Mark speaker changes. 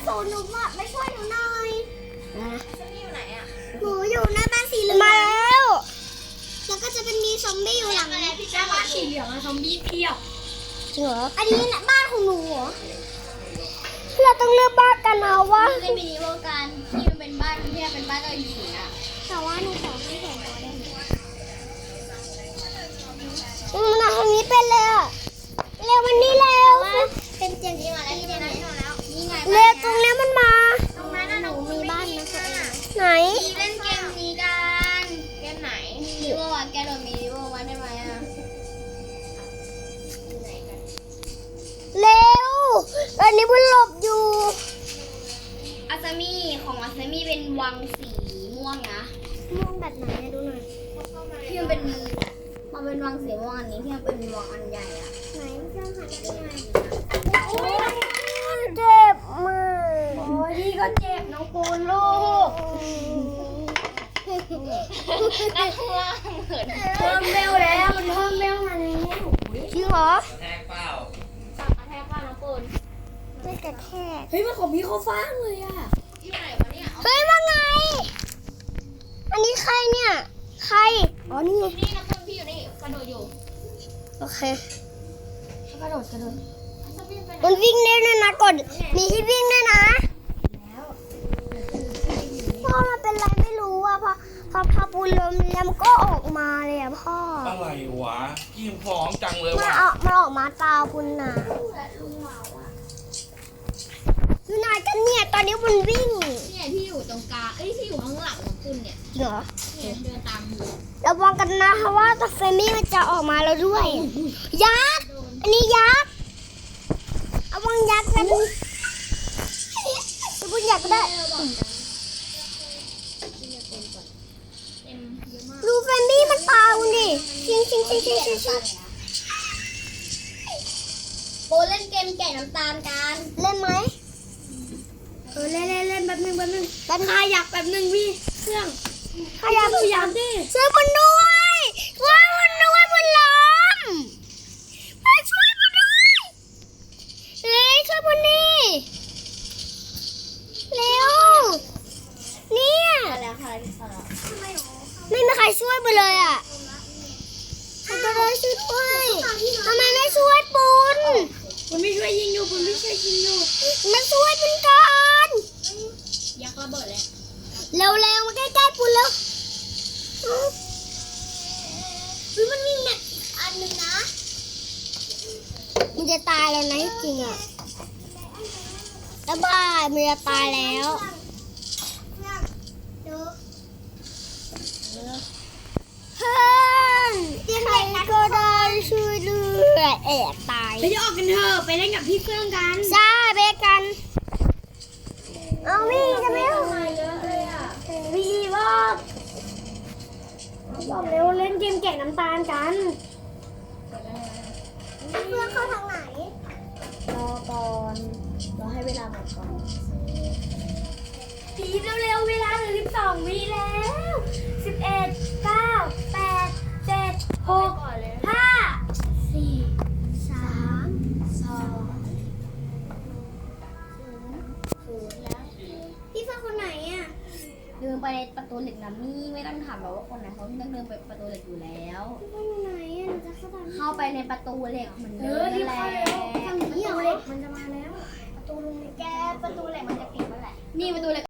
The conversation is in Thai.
Speaker 1: โซนหนูมาช่วยหนูหน่อย
Speaker 2: ซันนี่อยู่ไหนอ่ะ
Speaker 1: หนูอยู่หน้าบ้านสีเหลืองมาแล้วแล้วก็จะเป็นมีซอมบี้อยู่หลัง
Speaker 2: อะไรพี่จ้าบ้านสีเหลืองอะซอมบี้เพียบ
Speaker 1: เหรออันนี้นะบ้านของหนูเหรอเราต้องเลือกบ้านกันเอาว่า
Speaker 2: เล่นมินิโมกันที่มันเป็นบ้านที่เป็นบ้านเราอยู่นะ
Speaker 1: แต่ว่าหนูขอไม่แข่งตัวได้ไหมมาทางนี้เป็นเลยอะเร็วมันนี่เร็ว
Speaker 2: เป็นเตียงที่มาแล้วที่นี่แล้วนี่ไง
Speaker 1: เร็วตรงนี้มันมา
Speaker 2: ตรงนั้นหนู
Speaker 1: มีบ้านนะไหน
Speaker 2: เล่นเกมนี้กันเกมไหนมินิโมวันแกโดนมินิโมวันได้ไหมอ่ะ
Speaker 1: เร็วอันนี้มันหลบอยู่
Speaker 2: อาซามิของอาซามิเป็นวังสีม่วงนะ
Speaker 1: ม่วงแบบไหนดูหน่อย
Speaker 2: ที่มันเป็นวังสีม่วงอันนี้ที่มันเป็นวังอันใหญ่อะ
Speaker 1: ไหนเจ้าหันไปไหนโอ้ยเจ็บมาก
Speaker 2: โอ้ยพี่ก็เจ็บน้องปูนลูกด้านล่างเหมือนเพิ่มเบลแล้วมันเพิ่มเบลมาเลย
Speaker 1: จริงเหรอ
Speaker 3: แทกเปล่า
Speaker 2: สับกระแทกป้าน้องปูน
Speaker 1: ไม่กระแทก
Speaker 2: เฮ้ยมันของพี่เขาฟ้างเลยอะที่ไหนวะเนี่ย
Speaker 1: เฮ้ยว่าไงอันนี้ใครเนี่ยใครอ๋อนี่ไง
Speaker 2: นี่น้องปูนพี่อยู่นี่กระโดดอยู่
Speaker 1: โอเค
Speaker 2: กระโดด
Speaker 1: มันวิ่งได้ด้วยนะกดมีที่วิ่งด้วยนะพ่อมันเป็นไรไม่รู้อ่ะพอปูนลมแล้วมันก็ออกมาเลยอ่ะพ่อ
Speaker 3: อะไรวะกินพร้อมจังเลย
Speaker 1: มัน
Speaker 3: ว่ะ
Speaker 1: ออกมาตาปุนน่ะอยู่ไหนกันเนี่ยตอนนี้ปุนวิ่ง
Speaker 2: เนี่ยที่อยู่ตรงกลางที่อยู่ข้างหลังของคุณเนี่ย
Speaker 1: เหรอ
Speaker 2: เนี่ยเดินตามอยู่
Speaker 1: ระวังกันนะเพราะว่าตัวเฟมี่มันจะออกมาแล้วด้วยยักษ์อันนี้ยักษ์ระวังยักษ์นะปุนยักษ์ก็ได้ดูเฟมี่มันตาคุณดิชิง
Speaker 2: โบเล่นเกมแกะน้ำตาลกัน
Speaker 1: เล่นไหม
Speaker 2: เล่นแป๊บนึง
Speaker 1: ข
Speaker 2: ยักแป๊บนึงพี่เครื่อง
Speaker 1: ขยับ
Speaker 2: ดิ
Speaker 1: ช่วยคนด้วยช่วยคนด้วยบนล้มมาช่วยคนด้วยเฮ้ยช่วยคนนี้เร็วเนี่ยไม่มีใครช่วยไปเลยอ่ะใครก็ได้ช่วยด้วยทำไมไม่ช่วยปุน
Speaker 2: คุณไม่ช่วยยิงอยู่
Speaker 1: มาช่วยปุนก่อน
Speaker 2: ยักระเบิดเลย
Speaker 1: เร็วมาใกล้ๆปุนแล้วมันมีแม็กอันนึงนะมันจะตายแล้วนะจริงอ่ะแล้วบ้ามันจะตายแล้วเฮ้ยใครก็ได้ช่วยด้วยตาย
Speaker 2: ไปออกกันเถอะไปเล่นกับพี่เฟื่องกัน
Speaker 1: ใช่ไปกันเอาวิ่งจะไม่เอา
Speaker 2: พี่บอกเร็วเล่นเกมแกะน้ำตาลกัน
Speaker 1: เพื่อนเข้าทางไหน
Speaker 2: รอก่อนรอให้เวลาหมดก่อนพีเร็วเวลาเหลือ12 วิแล้ว11 9 8 7 6 5 4 3 2 0แล้ว
Speaker 1: พี่เพื่อนคนไหนอ่ะ
Speaker 2: เดินไปประตูเหล็กนะมี่ไม่ต้องถามหรอกว่าคนไหนเขาที่ต้องเดินไปประตูเหล็กอยู่แล้ว
Speaker 1: พี่เพื่อนอยู่ไหนอ่ะหนูจะ
Speaker 2: เข้าไปในประตูเหล็กเหมือนเดิมนั่นแหละ
Speaker 1: ทางนี้เหรอ
Speaker 2: เหล็กมันจะมาแล้วประตูเหล็กมันจะปิดเมื่อไหร่นี่ประตูเหล็ก